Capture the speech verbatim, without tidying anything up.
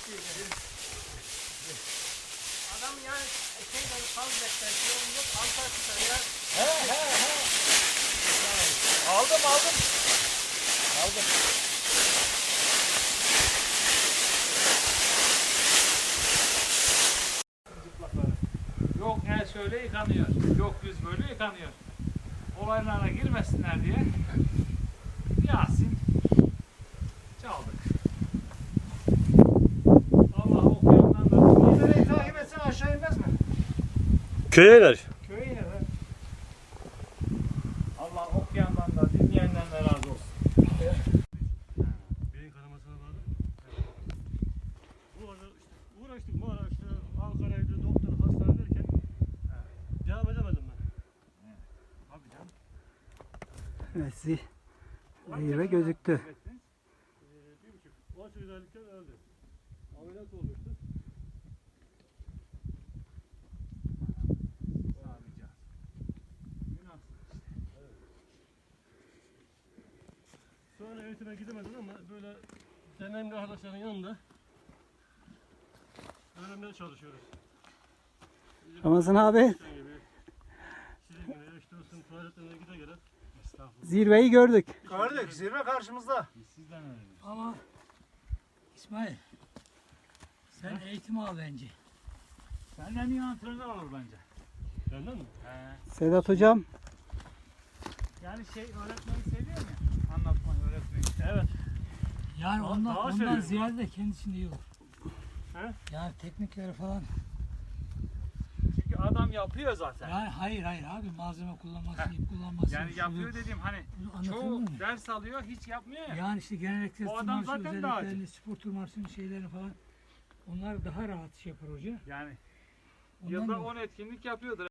Adam yani şeyleri faz bekler, şey olacak, altar tutar ya. He he he. Aldım aldım. Aldım. Yok el şöyle yıkanıyor, yok yüz böyle yıkanıyor. Olaylarına girmesinler diye Yasin çaldık. Allah okuyandan da Nereyi takip etsen aşağı inmez mi? Köye iner. Köye iner ha. Allah okuyandan da dinleyenden de razı olsun. Beyin kanamasına bağlı. Bu arada işte uğraştık bu ara işte Ankara'ydı, doktor, hastane derken devam edemedim ben. Tabii canım. Evet, zi zirve gözüktü. Ee, bir buçuk, on sekiz aylıkken öldü. Ameliyat olmuştu. Sağlayacağız. Günahsız işte. Sonra eğitime gidemedim ama böyle deneyimli arkadaşların yanında öğrenmeye çalışıyoruz. Ramazan abi, Sen gibi, sizin gibi işte olsun tuvaletlerine gide gele. Estağfurullah. zirveyi gördük. Gördük. Zirve karşımızda. Biz sizden öğreniyoruz. Ama İsmail, sen eğitim al bence. Senden iyi antrenör olur bence. Benden mi? He. Sedat hocam, Yani şey öğretmeyi seviyor mu? Anlatmayı, öğretmeyi. Evet. Yani Daha- ondan, daha ondan seviyorum. ziyade de kendisinde iyi olur. He? Yani teknikleri falan. Çünkü adam yapıyor zaten. Yani hayır hayır abi malzeme kullanması, ip kullanması. Yani şudur, yapıyor dediğim hani bunu anlatabiliyor çoğu muyum? ders alıyor hiç yapmıyor ya. Yani işte genel egzersiz O adam tırmanışı zaten daha özelliklerini, spor tırmanışının şeylerini falan onlar daha rahat şey yapar hoca. Yani Ondan yılda dolayı- on etkinlik yapıyordur.